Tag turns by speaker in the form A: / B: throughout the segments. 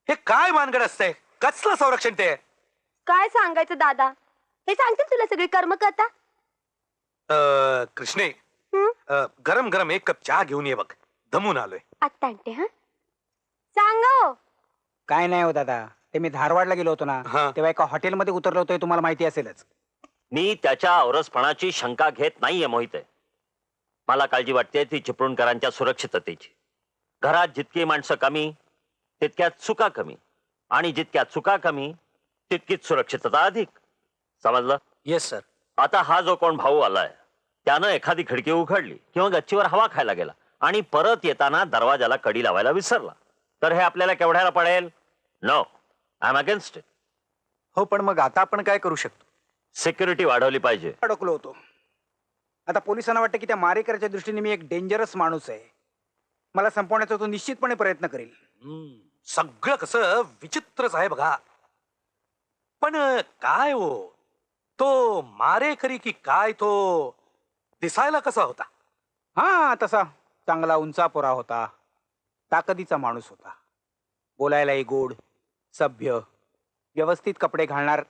A: हे काय भानगड असतंय? कसलं संरक्षण ते?
B: काय सांगायचं दादा, हे सांगतील तुला सगळी कर्मकथा.
A: कृष्णे,
B: हं?
A: गरम गरम एक कप चहा घेऊन ये बघ, दमून आलोय.
B: आत्ता आणते. हा सांगा हो.
C: काय नाही हो दादा, ते मी धारवाडला गेलो होतो ना,
A: हा.
C: तेव्हा एका हॉटेलमध्ये उतरलो होतो, हे तुम्हाला माहिती असेलच.
D: मी त्याच्या औरसपणाची शंका घेत नाहीये मोहित. मला काळजी वाटते ती चिपळूणकरांच्या सुरक्षिततेची. घरात जितकी माणसं कमी तितक्यात चुका कमी, आणि जितक्या चुका कमी तितकीच सुरक्षितता अधिक. समजलं?
A: Yes sir.
D: आता हा जो कोण भाऊ आलाय त्यानं एखादी खिडकी उघडली किंवा गच्चीवर हवा खायला गेला आणि परत येताना दरवाजाला कडी लावायला विसरला, तर हे आपल्याला केवढ्याला पडेल? No, I am against it.
A: हो, पण मग आता आपण काय करू शकतो?
D: सिक्युरिटी वाढवली पाहिजे.
C: अडकलो होतो. आता पोलिसांना वाटतं की त्या मारेकऱ्याच्या दृष्टीने मी एक डेंजरस माणूस आहे. मला संपवण्याचा तो निश्चितपणे प्रयत्न करेल.
A: सगळं कसं विचित्रच आहे बघा. पण काय हो, तो मारेकरी की काय, तो दिसायला कसा होता?
C: हा, तसा चांगला उंचापोरा होता, ताकदीचा माणूस होता, बोलायलाही गोड, सभ्य, व्यवस्थित कपडे घालणार.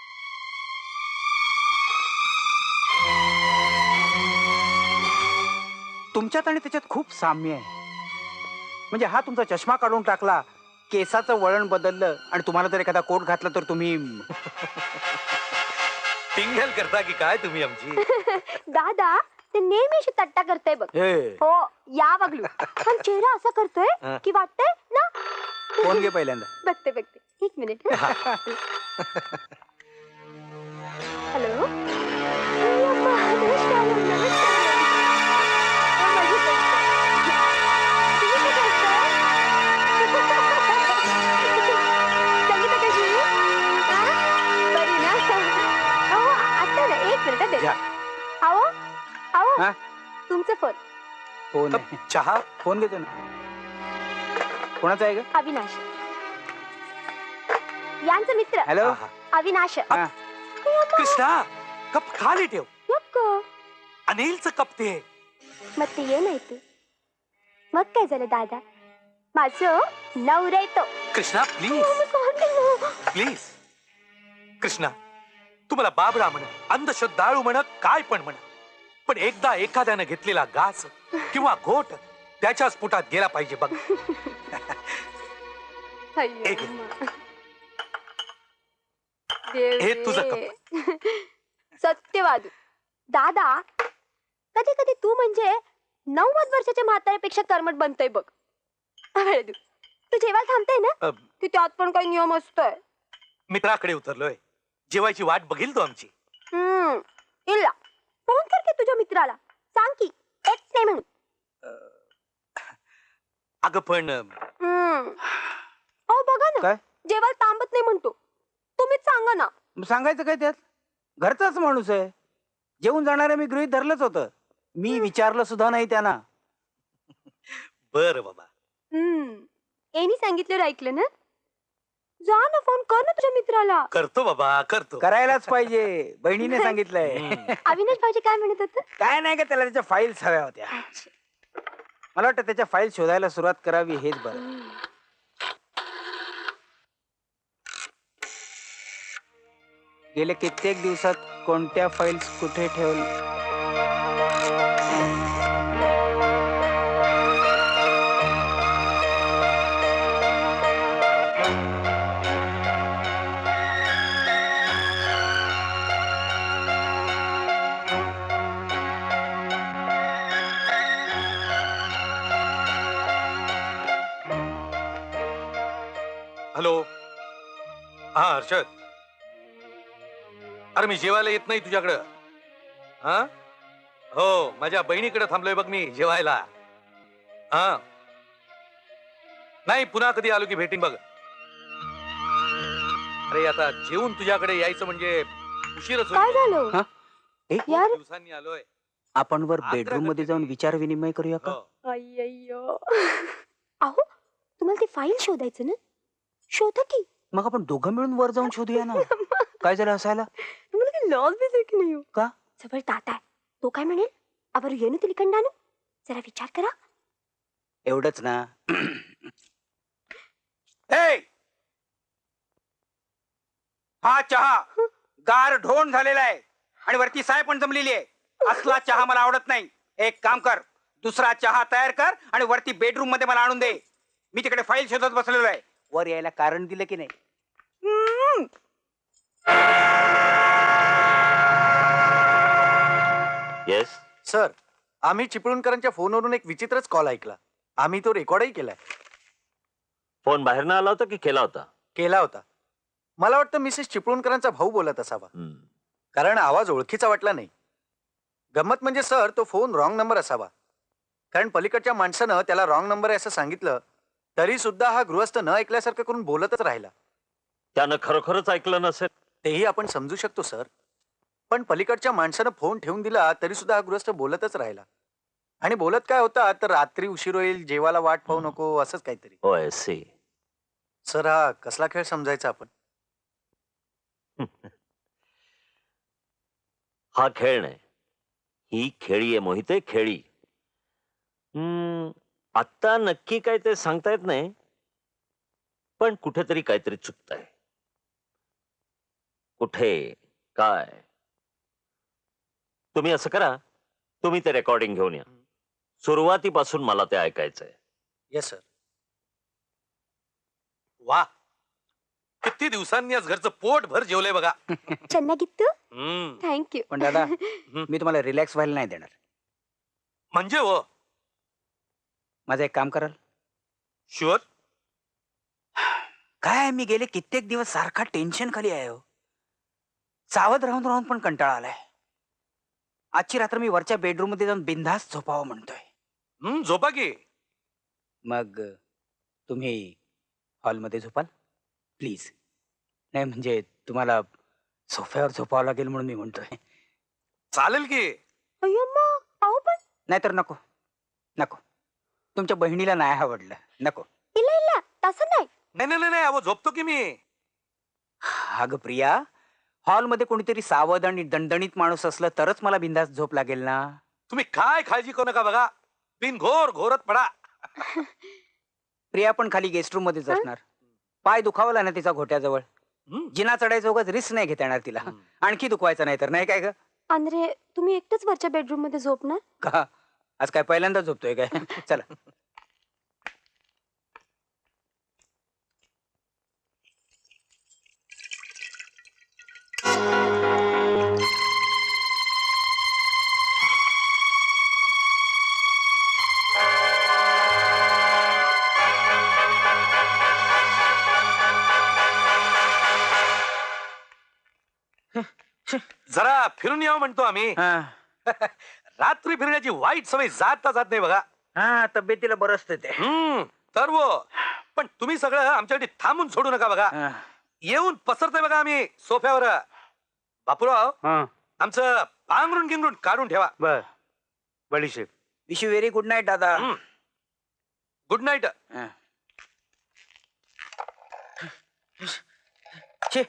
C: तुमच्यात आणि त्याच्यात खूप साम्य आहे. म्हणजे हा तुमचा चष्मा काढून टाकला, केसाचं वळण बदललं आणि तुम्हाला जर एखादा कोट घातला तर तुम्ही
A: टिंगल करता की काय तुम्ही आमची?
B: दादा ते नेहमी अशी तट्टा करतोय बघ.
C: हे
B: हो या बघलू, पण चेहरा असा करतोय की वाटतंय ना.
C: फोन घे पहिल्यांदा.
B: बघते बघते, एक मिनिट. हॅलो.
C: हा?
B: तुमचं फोन.
C: फोन
A: कप
C: आहे.
A: चहा.
C: फोन घेतो ना. कोणाचा आहे ग?
B: अविनाश, यांचा मित्र.
C: हॅलो.
A: आहा.
B: अविनाश.
C: हा.
A: कृष्णा, कप खाली ठेव.
B: नको.
A: अनिलचं कप ते.
B: मग ते ये नाही तू. मग काय झालं दादा, माझं नवरा येतो.
A: Krishna please please. कृष्णा, तुम्हाला बाबरा म्हण, अंधश्रद्धाळू म्हण, काय पण म्हण, पण एकदा एखाद्यानं घेतलेला घास किंवा घोट त्याच्याच पोटात गेला पाहिजे बघ. एक. हे तुझं कप.
B: सत्यवादू दादा, कधी कधी तू म्हणजे 90 वर्षाच्या म्हाताऱ्यापेक्षा कर्मठ बनतोय बघ. वेळदू, तू जेव्हा थांबते ना की त्यात पण काही नियम असतोय.
A: मित्राकडे उतरलोय, जेवायची वाट बघील तो आमची.
B: इल्ला फोन कर की तुझ्या मित्राला, सांग की एक्स नाही म्हणून.
A: अगं पण
B: हो बघा ना,
C: काय?
B: जेव्हा थांबत नाही म्हणतो. तुम्हीच सांगा ना.
C: मग सांगायचं काय त्यात? घरचाच माणूस आहे. जेवून जाणारे मी गृहीत धरलंच होतं. मी विचारलं सुद्धा नाही त्यांना.
A: बर बाबा.
B: एनी सांगितलं ऐकलं ना. जा ना, फोन कर ना तुझ्या मित्राला.
A: करतो बाबा, करतो.
C: करायलाच पाहिजे, बहिणीने सांगितलंय.
B: अविनाश भाऊजी काय म्हणत होत?
C: काय नाही का, त्याला त्याच्या फाईल्स हव्या होत्या. मला वाटतं त्याच्या फाईल शोधायला सुरुवात करावी, हेच बरं. गेले कित्येक दिवसात कोणत्या फाईल्स कुठे ठेवल्या?
A: हॅलो. हा हर्षद, अरे मी जेवायला येत नाही तुझ्याकडं. हा हो, माझ्या बहिणीकडे थांबलोय बघ मी जेवायला. हा नाही, पुन्हा कधी आलो की भेटीन बघ. अरे आता जेवून तुझ्याकडे यायचं म्हणजे उशीरच
B: काय
A: होईल.
B: झालं
C: हा? ए,
B: यार?
A: दिवसांनी आलोय.
C: आपण वर बेडरूम मध्ये जाऊन विचार विनिमय करूया का?
A: हो.
B: अय्यो. अहो, तुम्हाला ते फाईल शोधायचं ना, शोधा की.
C: मग आपण दोघं मिळून वर जाऊन शोधूया ना. काय झालं हसायला?
B: तुम्हाला काही लॉस बिस की नाही हो?
C: का?
B: जवळ ताता आहे, तो काय म्हणेल? अबर येणं तिलिकंडानं जरा विचार करा.
C: एवढंच ना.
A: ए,
C: हा चहा गार ढोण झालेला आहे आणि वरती साय पण जमलेली आहे. असला चहा मला आवडत नाही. एक काम कर, दुसरा चहा तयार कर आणि वरती बेडरूम मध्ये मला आणून दे. मी तिकडे फाईल शोधत बसलेलो आहे. वर यायला कारण दिलं की नाही?
D: येस.
A: सर, आम्ही चिपळूणकरांच्या फोनवरून एक विचित्रच कॉल ऐकला. आम्ही तो रेकॉर्डही केलाय.
D: फोन बाहेरनं आला होता की केला होता?
A: केला होता. मला वाटतं मिसेस चिपळूणकरांचा भाऊ बोलत असावा,
D: हम्म.
A: कारण आवाज ओळखीचा वाटला नाही. गंमत म्हणजे सर, तो फोन रॉंग नंबर असावा, कारण पलीकडच्या माणसानं त्याला रॉंग नंबर आहे असं सांगितलं तरी सुद्धा हा गृहस्थ न ऐकल्यासारखं करून बोलतच राहिला.
D: त्यानं खरोखरच ऐकलं नसेल.
A: तेही आपण समजू शकतो सर, पण पलीकडच्या माणसानं फोन ठेवून दिला तरी सुद्धा हा गृहस्थ बोलतच राहिला. आणि बोलत काय होता तर रात्री उशीर होईल, जेवायला वाट पाहू नको, असंच काहीतरी.
D: होय सी.
A: सर, हा कसला खेळ समजायचा आपण?
D: हा खेळ नाही, ही खेळी आहे मोहिते, खेळी. आत्ता नक्की काय ते सांगता येत नाही, पण कुठेतरी काहीतरी चुकतंय. कुठे काय? तुम्ही असं करा, तुम्ही ते रेकॉर्डिंग घेऊन या. सुरुवातीपासून मला ते ऐकायचंय.
A: Yes sir. वा, किती दिवसांनी आज घरचं पोट भर जेवलंय बघा.
B: ಚೆನ್ನಾಗಿತ್ತು. थँक्यू.
C: पण दादा, मी तुम्हाला रिलॅक्स व्हायला नाही देणार.
A: म्हणजे हो,
C: माझं एक काम कराल?
A: शुअर.
C: काय मी गेले कित्येक दिवस सारखा टेन्शन खाली आहे हो. सावध राहून राहून पण कंटाळा आलाय. आजची रात्र मी वरच्या बेडरूम मध्ये जाऊन बिंदास झोपावं म्हणतोय.
A: झोपा की.
C: मग तुम्ही हॉलमध्ये झोपाल प्लीज? नाही म्हणजे तुम्हाला सोफ्यावर झोपावं लागेल म्हणून मी म्हणतोय.
A: चालेल की.
B: अय्यम्मा, अहो पण
C: नाहीतर नको नको, तुमच्या बहिणीला नाही आवडलं, नको.
B: ಇಲ್ಲ ಇಲ್ಲ तसं नाही.
A: नाही नाही नाही, अहो झोपतो की मी.
C: अगं प्रिया, हॉलमध्ये कोणीतरी सावध आणि दणदणीत माणूस असलं तरच मला बिंदास झोप लागेल ना.
A: तुम्ही काय काळजी करू नका बघा, बिनघोर घोरत पडा.
C: प्रिया पण खाली गेस्ट रूम मध्येच असणार. पाय दुखावला ना तिचा घोट्याजवळ, जिना चढायचं उगाच रिस्क नाही घेता येणार तिला. आणखी दुखवायचं नाही तर, नाही काय ग?
B: अंद्रे, तुम्ही एकटेच वरच्या बेडरूम मध्ये झोपणार?
C: का आज काय पहिल्यांदा झोपतोय काय? चला.
A: जरा फिरून यावं म्हणतो आम्ही.
C: हा
A: रात्री फिरण्याची वाईट सवय जाता जात नाही बघा.
C: हा, तब्येतीला बरं असतं ते.
A: तर वो, पण तुम्ही सगळं आमच्यासाठी थांबून सोडू नका बघा.
C: हा.
A: येऊन पसरतोय बघा आम्ही सोफ्यावर. बापूराव,
C: हा,
A: आमचं पांघरून गिंगरून काढून ठेवा.
C: बर.
A: बडीशेप.
C: Wish you very good night दादा.
A: Good night.
C: हा. छे.